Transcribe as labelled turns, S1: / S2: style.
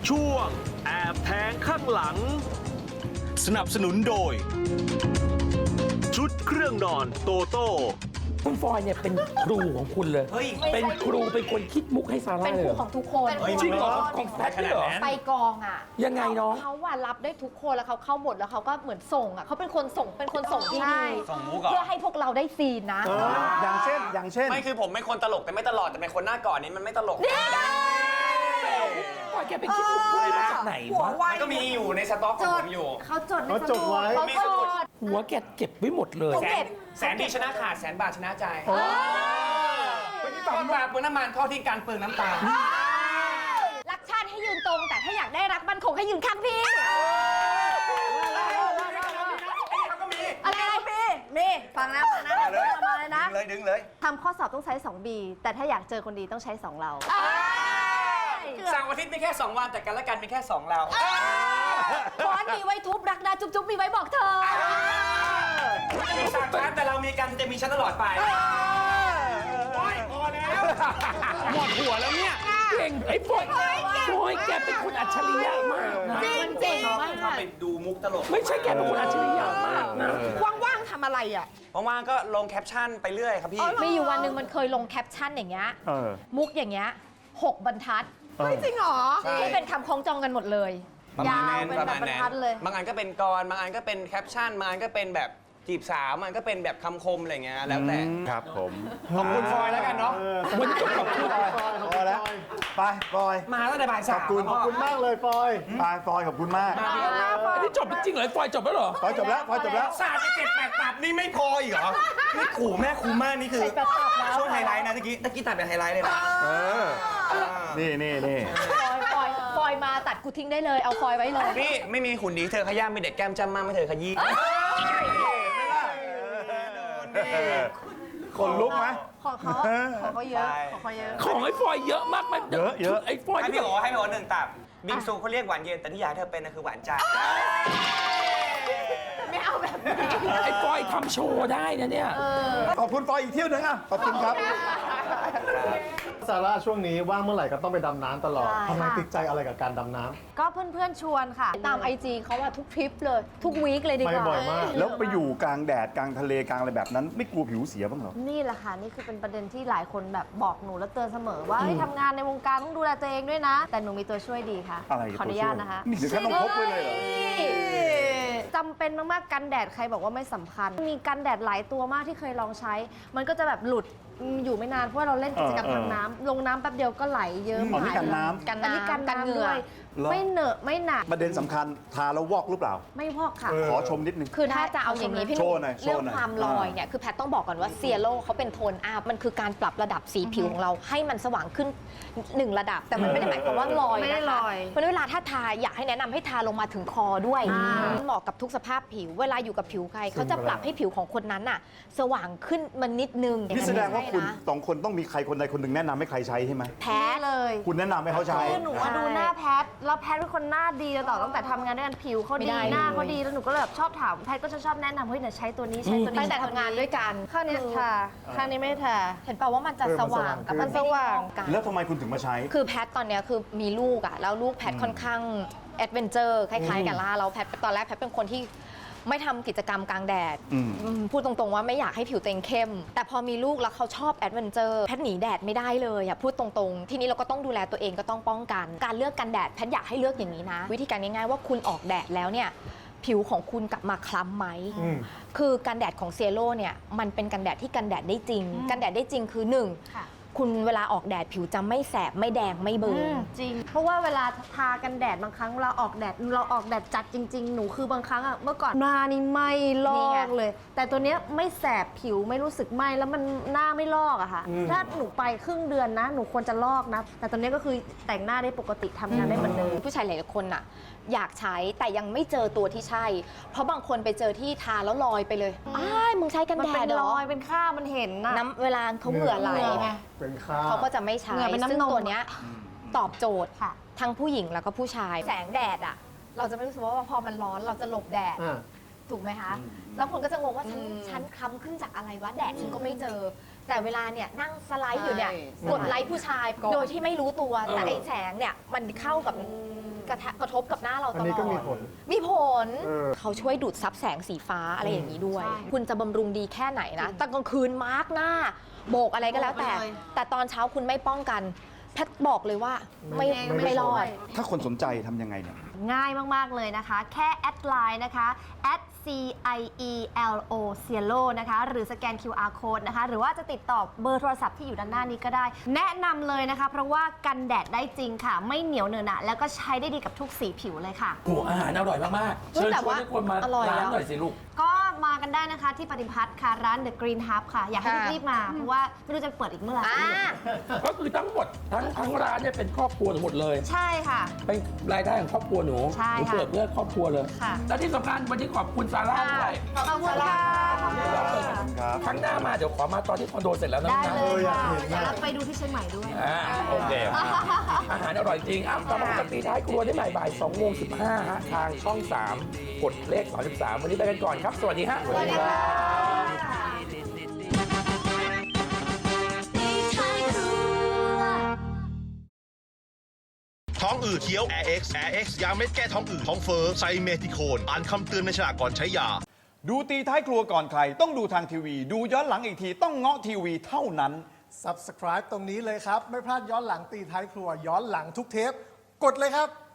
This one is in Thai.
S1: ช่วงแอบแทงข้างหลังสนับสนุนโดยชุดเครื่องนอนโตโต้
S2: คุณฟอยเนี่ยเป็นครูของคุณเลย เป็นครูเป็นคนคิดมุกให้ซาร่า
S3: เป็นครูของทุกคน
S2: จริงเหรอของแพทย์เหรอ
S3: ไปกองอ่ะ
S2: ยังไงเนาะ
S3: เขาว่ารับได้ทุกคนแล้วเขาเข้าบทแล้วเขาก็เหมือนส่งอ่ะเขาเป็นคนส่งที่ดี
S4: ส่งมุกเหรอ
S3: เพื่อให้พวกเราได้ซีนนะ
S5: อย่างเช่น
S4: ไม่คือผมเป็นคนตลกแต่ไม่ตลอดแต่เป็นคนหน้าก่อนนี้มันไม่ตลก
S2: ฟอยแกไปคิดมุกคุยมาจากไหนวะ
S4: มันก็มีอยู่ในสต็อกของผมอยู่
S3: เขาจด
S5: เขาจดไว้
S3: เขาจด
S2: หัวแกเก็บไว้หมดเลย
S4: แสนดีชนะขาดแสนบาทชนะใจทอดปลาเปลืองน้ำมันทอดที่การเปลืองน้ำตาล
S3: รักชาติให้ยืนตรงแต่ถ้าอยากได้รักมั่นคงให้ยืนข้างพี่อะไรพี่นี่ฟังนะมาเลยนะ
S4: ดึงเลย
S3: ทำข้อสอบต้องใช้ 2B แต่ถ้าอยากเจอคนดีต้องใช้ 2 เรา
S4: เสาร์อาทิตย์มีแค่2 วันแต่กันและกันมีแค่2เรา
S3: ค้อนมีไว้ทุบรักนะจุ๊บมีไว้บอกเธอ
S4: มีสามชั้นแต่เรามีกันจะมีชั้นตลอดไปโอ้ยพอแล้วหมดหัวแล้วเนี่ย
S2: เก่งไอ้ฟอยแกเป็นคนอัจฉริยะมากนะ
S3: จริง
S4: ชอบไปดูมุกตลก
S2: ไม่ใช่แกเป็นคนอัจฉริยะมากนะ
S6: ว่างๆทำอะไรอ่ะ
S4: ว่างๆก็ลงแคปชั่นไปเรื่อยครับพี่
S3: มีอยู่วันหนึ่งมันเคยลงแคปชั่นอย่างเงี้ยมุกอย่างเงี้ย6 บรรทัด
S6: จริงเหรอ
S4: ใช่
S3: ที่เป็นคำคล้องจองกันหมดเลย
S4: ประมาณ
S3: ยาว
S4: นั้น
S3: เป็น
S4: ประ
S3: แบ
S4: มา
S3: บ
S4: ณ
S3: บรร
S4: นั้น
S3: ทัดเลย
S4: บางอันก็เป็นกรบางอันก็เป็นแคปชั่นบางอันก็เป็นแบบจีบสาวมันก็เป็นแบบคำคมอะไรเงี้ยแล้วแต่
S5: ครับผม
S4: ขอบคุณฟอยแล้วกันเนาะ
S2: วันนี้ต้องขอบคุณ
S5: พอแล้ว ไปฟอย
S4: มาตั้งแต่บ่าย
S5: ข
S4: สา
S5: อบ
S4: ม
S5: คุณขอบคุณมากเลยฟอยฟอยขอบคุณมาก
S2: อันนี้จบจริงๆเหรอฟอยจบแล้วเหรอ
S5: ฟอยจบแล้วฟอยจบแล้ว
S4: ศาสตร์จะ7 8 ตับนี่ไม่พออีกเหรอนี่ขู่แม่ขู่มากนี่คือช่วงไฮไลท์นะตะกี้ตัดเป็นไฮไลท์เลยนะ
S5: นี่
S3: ฟอยมาตัดกูทิ้งได้เลยเอาฟอยไว้เลย
S4: นี่ไม่มีหุ่นดีเธอขย้ำมีเด็กแก้มจำมากไม่เธอขยี้
S5: คนลุกไหม
S3: ของเขาเยอะของเขาเยอะ
S2: ของไอ้ฟอยเยอะมากมัน
S5: เยอะ
S2: ไอ้ฟอย
S4: ให้
S2: ที่
S4: พี่
S2: แบบ
S4: โอให้พี่โอ1 ตับบิงซูเขาเรียกหวานเย็นแต่ที่อยากให้เธอเป็นคือหวานใจ
S3: ไม่เอาแบบนี้
S2: ไอ้ฟอยทำโชว์ได้นะเนี่ย
S5: ขอบคุณฟอยอีกเที่ยวหนึงอ่ะขอบคุณครับ
S7: ซาร่าช่วงนี้ว่างเมื่อไหร่ก็ต้องไปดำน้ำตลอด
S3: ใช่
S7: ทำไมติดใจอะไรกับการดำน้ำ
S3: ก็เพื่อนๆชวนค่ะ ตาม IG เขาว่าทุกทริปเลย ทุกวีคเลยดีก
S7: ไป
S3: ว่า
S7: บ่อยมาก
S5: แล้วไปอยู่กลางแดดกลางทะเลกลางอะไรแบบนั้น ไม่กลัวผิวเสียบ้างเหรอ
S3: นี่แหละค่ะ นี่คือเป็นประเด็นที่หลายคนแบบบอกหนูแล้วเตือนเสมอว่าเฮ้ยทำงานในวงการต้องดูแลตัวเองด้วยนะ แต่หนูมีตัวช่วยดีค่ะ
S5: อะไร
S3: ขออนุญาตนะคะ
S5: นี่ถึงขั้นต้องพกไว้เลยเหรอ
S3: จำเป็นมากๆกันแดดใครบอกว่าไม่สำคัญ มีกันแดดหลายตัวมากที่เคยลองใช้ มันก็จะแบบหลุดอยู่ไม่นานเพราะว่าเราเล่นกิจกรรมทางน้ำลงน้ำแป๊บเดียวก็ไหลเยิ้ม
S5: อ๋อนี่
S3: หาย
S5: กันน้ำ
S3: กันน้ำกันเหงื่อ
S5: เหรอ
S3: ไม่เหนอะไม่หนัก
S5: ประเด็นสำคัญทาแล้ววอกหรือเปล่า
S3: ไม่พอกค่ะ
S5: ขอชมนิดนึง
S3: คือถ้าจะเอาอย่างนี้พี่ห
S5: โช
S3: นุ่
S5: ว์หน่อย
S3: เรื่อง
S5: โชว์หน่อย
S3: ความลอยเนี่ยคือแพทต้องบอกก่อนว่าเซียโร่เขาเป็นโทนอัพมันคือการปรับระดับสีผิวของเราให้มันสว่างขึ้น1 ระดับ แต่มันไม่ได้หมายความว่าลอย
S6: ไม่ได้
S3: นะคะ
S6: ลอย
S3: เพราะฉะนั้นเวลาถ้าทาอยากให้แนะนำให้ทาลงมาถึงคอด้วยเหมาะกับทุกสภาพผิว เวลาอยู่กับผิวใครเขาจะปรับให้ผิวของคนนั้นน่ะสว่างขึ้นมันนิดนึง
S5: นี่แสดงว่าคุณ
S3: ใช่นะ
S5: สองคนต้องมีใครคนใดคนหนึ่งแนะนำให้ใครใช้ใช่ไหม
S3: แพ้เลย
S5: คุณแนะนำให้เขาใช้
S3: คือหนูอะดูหน้าแพทแล้วแพทเป็นคนหน้าดีต่อตั้งแต่ทำงานด้วยกันผิวเขาดีหน้าเขาดีแล้วหนูก็เลยแบบชอบถามแพทก็จะชอบแนะนำเฮ้ยเนี่ยใช้ตัวนี้ใช้ตัวนี้ตั้งแต่ทำงานด้วยกันข้างนี้ทาข้างนี้ไม่ทาเห็นเปล่าว่ามันจะสว่างกับมันสว่างกัน
S5: แล้วทำไมคุณถึงมาใช้
S3: คือแพทตอนเนี้ยคือมีลูกอะแล้วลูกแพทค่อนข้างแอดเวนเจอร์คล้ายๆกับล่าแล้วแพทตอนแรกแพทเป็นคนที่ไม่ทำกิจกรรมกลางแดด พูดตรงๆว่าไม่อยากให้ผิวตัวเองเข้ม แต่พอมีลูกแล้วเขาชอบแอดเวนเจอร์แพทหนีแดดไม่ได้เลยอะพูดตรงๆ ทีนี้เราก็ต้องดูแลตัวเองก็ต้องป้องกัน การเลือกกันแดดแพทอยากให้เลือกอย่างนี้นะ วิธีการง่ายๆว่าคุณออกแดดแล้วเนี่ยผิวของคุณกลับมาคล้ำไหม คือกันแดดของเซโร่เนี่ยมันเป็นกันแดดที่กันแดดได้จริง กันแดดได้จริงคือหนึ่งคุณเวลาออกแดดผิวจะไม่แสบไม่แดงไม่เบิร์นจริง เพราะว่าเวลาทากันแดดบางครั้งเราออกแดดจัดจริง ๆ หนูคือบางครั้งอะเมื่อก่อนหน้านี่ไม่ลอกเลย แต่ตัวเนี้ยไม่แสบผิวไม่รู้สึกไหมแล้วมันหน้าไม่ลอกอะค่ะถ้าหนูไปครึ่งเดือนนะหนูควรจะลอกนะแต่ตัวเนี้ยก็คือแต่งหน้าได้ปกติทำงานได้เหมือนเดิมผู้ชายหลายๆคนอะอยากใช้แต่ยังไม่เจอตัวที่ใช่ เพราะบางคนไปเจอที่ทาแล้วลอยไปเลยอ้ายมึงใช้กันแดดเหรอมันเป็นค่ามันเห็นนะน้ำเวลาเขาเหงื่อไหล
S7: เป็นค่า
S3: เขาก็จะไม่ใช้
S6: เหงื่อเป็นน้ำนม
S3: ซึ่งตัวเนี้ยตอบโจทย์ทั้งผู้หญิงแล้วก็ผู้ชาย แสงแดดอ่ะ เราจะไม่รู้สึกว่าพอมันร้อนเราจะหลบแดด ถูกไหมคะ แล้วคนก็จะงงว่าฉันคล้ำขึ้นจากอะไรวะแดดฉันก็ไม่เจอ แต่เวลาเนี่ยนั่งสไลด์อยู่เนี่ยกดไลค์ผู้ชาย โดยที่ไม่รู้ตัวแต่ไอ้แสงเนี่ยมันเข้ากับกระทบกับหน้าเราตลอด
S7: อันนี้ก็มีผล
S3: มีผล เขาช่วยดูดซับแสงสีฟ้าอะไรอย่างนี้ด้วย คุณจะบำรุงดีแค่ไหนนะตอนกลางคืนมาร์กหน้า โบกอะไรก็แล้วแต่ แต่ตอนเช้าคุณไม่ป้องกัน แพทย์บอกเลยว่าไม่รอด
S5: ถ้าคนสนใจทำยังไงเนี่ย
S8: ง่ายมาก ๆ เลยนะคะ แค่แอดไลน์นะคะ @CIELO Cielo นะคะ หรือสแกน QR code นะคะ หรือว่าจะติดต่อเบอร์โทรศัพท์ที่อยู่ด้านหน้านี้ก็ได้ แนะนำเลยนะคะ เพราะว่ากันแดดได้จริงค่ะ ไม่เหนียวเหนอะหนะแล้วก็ใช้ได้ดีกับทุกสีผิวเลยค่ะ
S2: โอ้อาหารอร่อยมากๆ
S3: เฮ้ย
S2: เชิญ
S3: แต่
S2: ชวน
S3: ว่า
S2: ให้คนมา
S3: อร่อย
S2: ร้าน
S3: แล้ว
S2: หน่อยสิลูก
S8: ก็มากันได้นะคะที่ปฏิพัฒน์ค่ะ ร้าน The Green Hub ค่ะ อยากให้
S3: ค่ะ
S8: รีบๆมา เพราะว่าไม่รู้จะเปิดอีกเมื่อไหร่
S2: ก็คือทั้งหมดทั้งร้านเนี่ยเป็นครอบครัวหมดเลย
S8: ใช่ค่ะ
S2: เป็นรายได้ของครอบครัวหนู
S8: ใช่
S2: หนู
S8: ค่ะ
S2: เปิดเพื่อครอบครัวเลย
S8: ค่ะ
S2: และที่สำคัญวันนี้ขอบคุณซาร่าด้วย
S8: ขอบคุณค่ะ
S5: ครับ
S2: ครั้งหน้ามาเดี๋ยวขอมาตอนที่คอนโดเสร็จแล้วนะ
S8: ได้
S2: นะ
S8: เลยค่ะ
S7: อยากเห็นมาก
S8: แล้วไปดูที่เชียงใหม่ด้วย
S2: โอเค อาหารอร่อยจริงอ้าวกลับมาปกติท้ายครัวได้ใหม่บ่าย2:15ฮะทางช่อง 3 กดเลข33วันนี้ไปกันก่อนครับ สวัสดีฮะ
S8: สวัสดีค่ะ
S9: ท้องอืดเคี้ยว Air X ยาเม็ดแก้ท้องอืดท้องเฟ้อไซเมทิโคน อ่านคำเตือนในฉลากก่อนใช้ยา
S5: ดูตีท้ายครัวก่อนใคร ต้องดูทางทีวี ดูย้อนหลังอีกทีต้องเงาะทีวีเท่านั้น
S7: Subscribe ตรงนี้เลยครับ ไม่พลาดย้อนหลังตีท้ายครัว ย้อนหลังทุกเทป กดเลยครับ